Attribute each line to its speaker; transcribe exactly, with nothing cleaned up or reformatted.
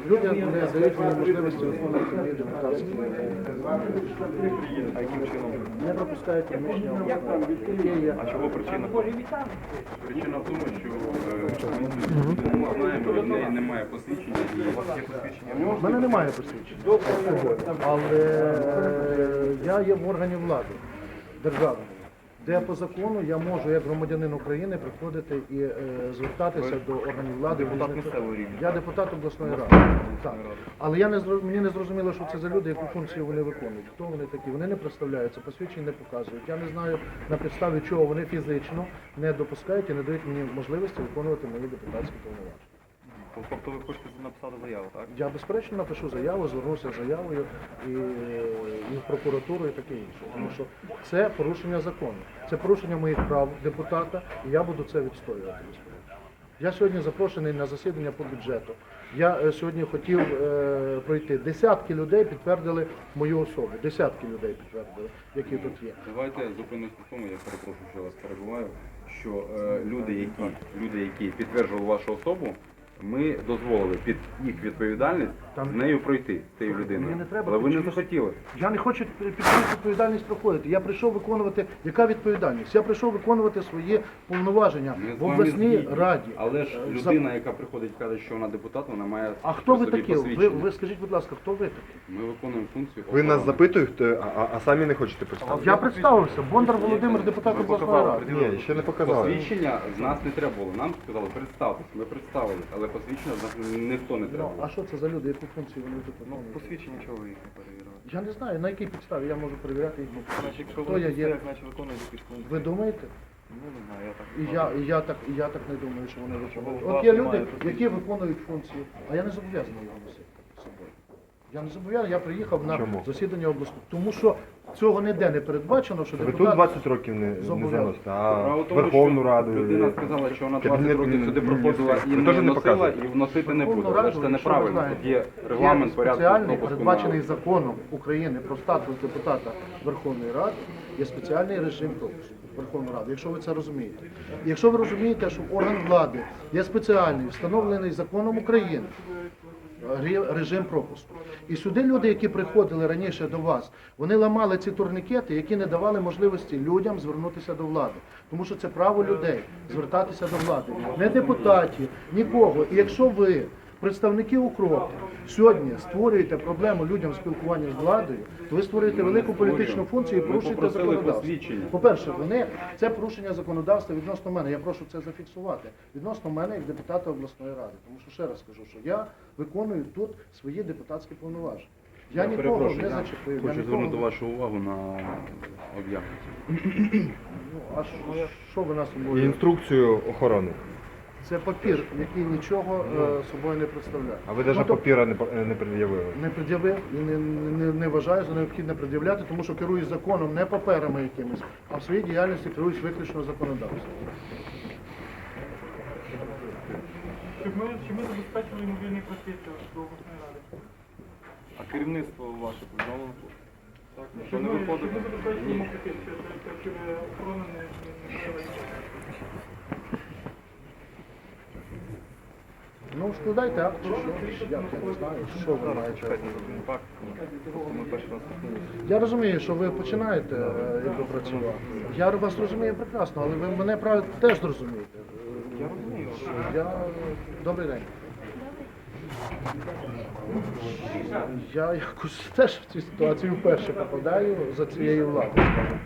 Speaker 1: Люди не дають мені можливості виконувати мої депутатські.
Speaker 2: А яким чином?
Speaker 1: Не пропускають приміщення обласної. Є.
Speaker 2: А чого причина? Причина в тому, що е, ми не знаємо, в неї немає посвідчення, і у вас є посвідчення.
Speaker 1: У мене немає посвідчення, але е, я є в органі влади державної, де по закону я можу, як громадянин України, приходити і е, звертатися до органів влади.
Speaker 2: Депутат
Speaker 1: різних-
Speaker 2: місцевого рівня.
Speaker 1: Я депутат обласної ради. Так. Але я не зро- мені не зрозуміло, що це за люди, яку функцію вони виконують. Хто вони такі? Вони не представляються, посвідчень не показують. Я не знаю, на підставі чого вони фізично не допускають і не дають мені можливості виконувати мої депутатські повноваження.
Speaker 2: Тобто ви хочете написати заяву, так?
Speaker 1: Я безперечно напишу заяву, звернуся з заявою і, і в прокуратуру і таке інше. Тому що це порушення закону. Це порушення моїх прав депутата, і я буду це відстоювати. Я сьогодні запрошений на засідання по бюджету. Я е, сьогодні хотів е, пройти. Десятки людей підтвердили мою особу. Десятки людей підтвердили, які тут є.
Speaker 2: Давайте зупинимося на тому, я перепрошую, що я вас перебуваю, що е, люди, які, люди, які підтверджували вашу особу, ми дозволили під їх відповідальність
Speaker 1: Там-
Speaker 2: з нею пройти, з цією
Speaker 1: Мені
Speaker 2: людиною.
Speaker 1: не треба
Speaker 2: Але ви не
Speaker 1: під чиюсь-
Speaker 2: захотіли.
Speaker 1: Я не хочу під чиюсь відповідальність проходити. Я прийшов виконувати, яка відповідальність? Я прийшов виконувати свої повноваження
Speaker 2: Ми з
Speaker 1: в
Speaker 2: вами
Speaker 1: обласній
Speaker 2: згідні.
Speaker 1: раді.
Speaker 2: Але ж
Speaker 1: Е,
Speaker 2: людина, яка приходить і каже, що вона депутат, вона має
Speaker 1: А хто ви
Speaker 2: при собі
Speaker 1: такі? Ви,
Speaker 2: посвідчення.
Speaker 1: ви скажіть, будь ласка, хто ви такі?
Speaker 2: Ми виконуємо функцію.
Speaker 3: Ви нас
Speaker 2: охорони.
Speaker 3: запитуєте, а, а- а самі не хочете представити?
Speaker 1: Я представився. Бондар Володимир, депутат
Speaker 2: Ви
Speaker 1: обласної
Speaker 2: показали,
Speaker 1: ради.
Speaker 3: Ні, ще не показали.
Speaker 2: Посвідчення з нас не треба було. Нам сказали, представтесь. Ми представились, але посвідчення з нас ніхто не треба
Speaker 1: Ну,
Speaker 2: було.
Speaker 1: а що це за люди, яку функцію вони тут виконують?
Speaker 2: Посвідчення чого ви їх не перевіряли?
Speaker 1: Я не знаю, на якій підставі я можу перевіряти їх.
Speaker 2: Значить, якщо
Speaker 1: Хто
Speaker 2: ви
Speaker 1: я є?
Speaker 2: як наче виконуєте якісь функції.
Speaker 1: Ви думаєте?
Speaker 2: Ну, не знаю, я так.
Speaker 1: І я, і я так, і я так не думаю, що вони виконують.
Speaker 2: у вас
Speaker 1: От є
Speaker 2: немає
Speaker 1: люди,
Speaker 2: посвідчення?
Speaker 1: які виконують функції, а я не зобов'язаний його носити з собою. Я не зобов'язаний, я приїхав на
Speaker 3: Чому?
Speaker 1: засідання обласної. Тому що цього ніде не передбачено, що
Speaker 3: Ви тут
Speaker 1: депутат...
Speaker 3: двадцять років не, не
Speaker 1: Зобов'язаний.
Speaker 3: заносите,
Speaker 2: Справа
Speaker 3: а
Speaker 2: в тому,
Speaker 3: Верховну
Speaker 2: що
Speaker 3: Раду...
Speaker 2: людина
Speaker 3: і-
Speaker 2: сказала, що вона
Speaker 3: Кабінет
Speaker 2: двадцять років сюди
Speaker 3: Міністрів.
Speaker 2: проходила і
Speaker 3: Ви
Speaker 2: не
Speaker 3: теж не
Speaker 2: носила,
Speaker 3: показуєте?
Speaker 2: і вносити не буде.
Speaker 1: Верховну
Speaker 2: Але
Speaker 1: Раду,
Speaker 2: ж це
Speaker 1: якщо ви
Speaker 2: неправильно.
Speaker 1: знаєте,
Speaker 2: Тут є регламент порядку
Speaker 1: спеціальний,
Speaker 2: пропуску
Speaker 1: передбачений
Speaker 2: на...
Speaker 1: законом України про статус депутата Верховної Ради, є спеціальний режим пропуску Верховної Ради, якщо ви це розумієте. І якщо ви розумієте, що орган влади є спеціальний, встановлений законом України, ре- режим пропуску. І сюди люди, які приходили раніше до вас, вони ламали ці турнікети, які не давали можливості людям звернутися до влади. Тому що це право людей звертатися до влади. Не депутатів, нікого. І якщо ви, представники укропу, сьогодні створюєте проблему людям спілкування з владою, то ви створюєте велику політичну функцію і
Speaker 2: Ми
Speaker 1: порушуєте
Speaker 2: попросили
Speaker 1: законодавство.
Speaker 2: посвідчення.
Speaker 1: По-перше, вони це порушення законодавства відносно мене. Я прошу це зафіксувати. Відносно мене як депутата обласної ради. Тому що ще раз скажу, що я виконую тут свої депутатські повноваження. Я,
Speaker 2: Я
Speaker 1: нікого
Speaker 2: перепрошую,
Speaker 1: не
Speaker 2: я
Speaker 1: зачепив. я
Speaker 2: Хочу
Speaker 1: нікого
Speaker 2: звернути
Speaker 1: не-
Speaker 2: вашу увагу на об'єкт.
Speaker 1: Ну, а що, що ви нас
Speaker 3: І
Speaker 1: собою?
Speaker 3: інструкцію охорони.
Speaker 1: Це папір, який нічого е, собою не представляє.
Speaker 3: А ви навіть
Speaker 1: Ну, то-
Speaker 3: папіра не, по- не пред'явили.
Speaker 1: Не пред'явив і не, не, не вважаю за необхідне пред'являти, тому що керуюсь законом, не паперами якимись, а в своїй діяльності керуюсь виключно законодавством.
Speaker 4: Щоб ми, щоб ми забезпечили мобільний просвіт до обласної ради.
Speaker 2: А керівництво ваше повідомлено? Так, що
Speaker 4: Щоб
Speaker 2: не
Speaker 4: ми, щоб
Speaker 2: виходить?
Speaker 4: ми забезпечили просвіт, що, що, щоб охорона не, не стала.
Speaker 1: Ну, складайте акт, чи що, я не знаю, що ви маєте.
Speaker 2: Так, ми перший раз стикнулися.
Speaker 1: Я розумію, що ви починаєте е, якби працювати. Я вас розумію прекрасно, але ви мене правильно теж зрозумієте.
Speaker 2: Я розумію.
Speaker 1: Що я... Добрий день. Я якось теж в цю ситуацію вперше попадаю за цією владою.